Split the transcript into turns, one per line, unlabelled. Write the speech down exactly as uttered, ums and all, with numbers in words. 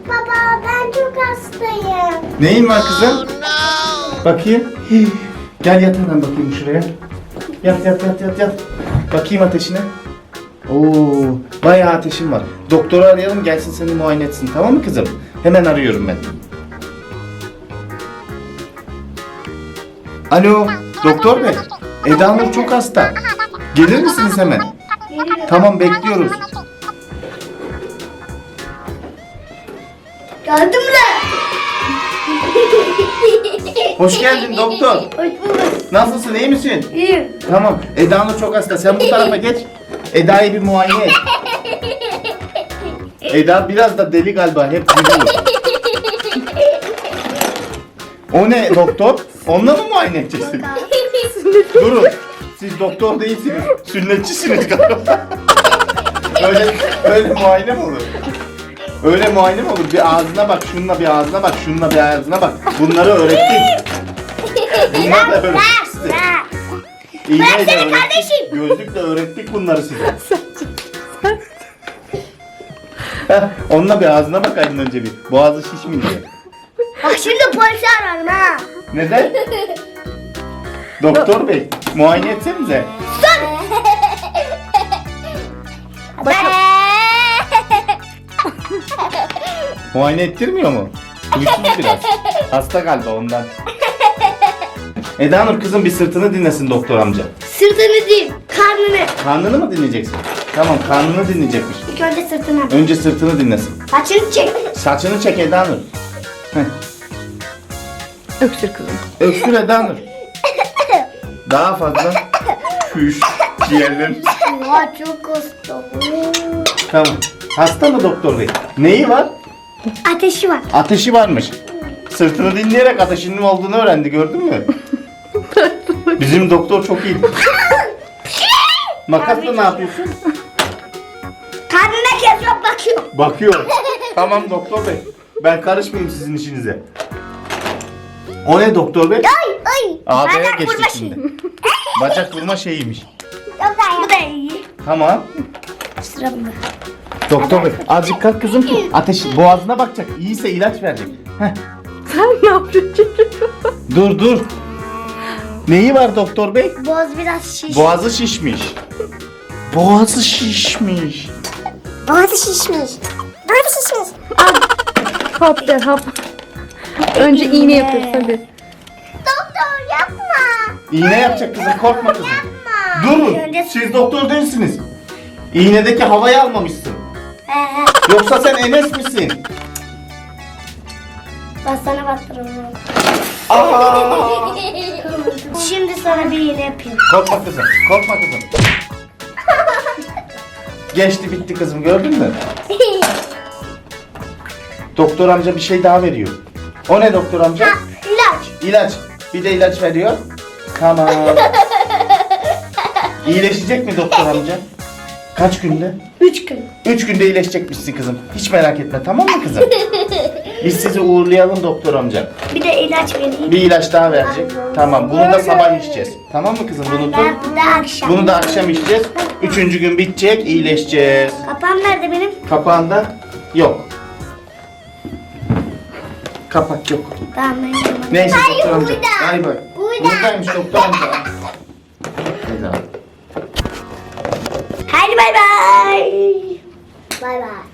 Baba ben çok hastayım.
Neyin var kızım? Bakayım. Hii. Gel yat hemen bakayım şuraya. Yat yat yat yat yat. Bakayım ateşine. Oo, bayağı ateşin var. Doktoru arayalım gelsin seni muayene etsin, tamam mı kızım? Hemen arıyorum ben. Alo, doktor bey. Eda Nur çok hasta. Gelir misiniz hemen? Tamam, bekliyoruz.
Geldim de.
Hoş geldin doktor.
Hoş bulduk.
Nasılsın, iyi misin?
İyiyim.
Tamam, Eda Nur çok hasta. Sen bu tarafa geç. Eda'yı bir muayene et. Eda biraz da deli galiba, hep gülüyor. O ne doktor? Onunla mı muayene edeceksin? Durun. Siz doktor değilsiniz. Sünnetçisiniz galiba. öyle, öyle muayene mi olur? Öyle muayene mi olur? Bir ağzına bak, şununla bir ağzına bak, şununla bir ağzına bak. Bunları öğrettik. Bunları da öğrettik size. İğneyle öğrettik.
kardeşim.
Gözlükle öğrettik bunları size. Heh, onunla bir ağzına bakaydın önce bir. Boğazı şişmin diye.
Bak şimdi polisi ararım ha.
Neden? Doktor bey, muayene etsenize. Muayene ettirmiyor mu? Huysuz biraz. Hasta galiba ondan. Eda Nur kızım bir sırtını dinlesin doktor amca.
Sırtını değil, karnını.
Karnını mı dinleyeceksin? Tamam, karnını dinleyecekmiş.
İlk önce sırtını.
Önce sırtını dinlesin.
Saçını çek.
Saçını çek Eda Nur. Heh.
Öksür kızım.
Öksür Eda Nur. Daha fazla. Küş. Ciğerlerim.
Ya çok hasta.
Tamam. Hasta mı doktor bey? Neyi var?
Ateşi var.
Ateşi varmış. Sırtını dinleyerek ateşinin olduğunu öğrendi, gördün mü? Bizim doktor çok iyi. Makasla ne yapıyorsun?
Karnına kesiyor bakıyor.
Bakıyor. Tamam doktor bey. Ben karışmayayım sizin işinize. O ne doktor bey?
Ay ay.
Ağdaya
Bacak
geçtik
vurma
şimdi.
şeyi.
Bacak vurma şeyiymiş.
Yok da bu da iyi.
Tamam.
Sıra bunda.
Doktor bey azıcık kalk kızım ki ateş boğazına bakacak. İyiyse ilaç verecek. Heh.
Sen ne yapıyorsun?
Dur dur. Neyi var doktor bey?
Boğaz biraz şiş.
Boğazı şişmiş. Boğazı şişmiş.
Boğazı şişmiş. Boğazı şişmiş.
Hap der hap. Önce iğne yapıyoruz hadi.
Doktor yapma.
İğne yapacak kızım, korkma kızım.
Yapma.
Durun.
Önce...
Siz doktor değilsiniz. İğnedeki havayı almamışsın.
He he.
Yoksa sen Enes misin?
Ben sana baktırırım.
Aa!
Şimdi sana bir iğne yapayım.
Korkma kızım. Korkma kızım. Geçti bitti kızım, gördün mü? Doktor amca bir şey daha veriyor. O ne doktor amca?
Ha, ilaç.
İlaç. Bir de ilaç veriyor. Tamam. İyileşecek mi doktor amca? Kaç günde?
Üç gün.
Üç günde iyileşecekmişsin kızım. Hiç merak etme, tamam mı kızım? Biz sizi uğurlayalım doktor amca.
Bir de ilaç vereyim.
Bir ilaç daha verecek. Tamam, bunu da sabah içeceğiz. Tamam mı kızım? Bunu
Ben
tut.
bu da akşam.
Bunu da akşam içeceğiz. Üçüncü gün bitecek, iyileşeceğiz.
Kapağım nerede benim?
Kapağında yok. Kapak yok.
Tamam ben yapayım.
Neyse
Hayır,
doktor amca.
burada.
Ay bak.
Burada.
Buradaymış doktor amca. Eda.
Hadi bay bay. Bay bay.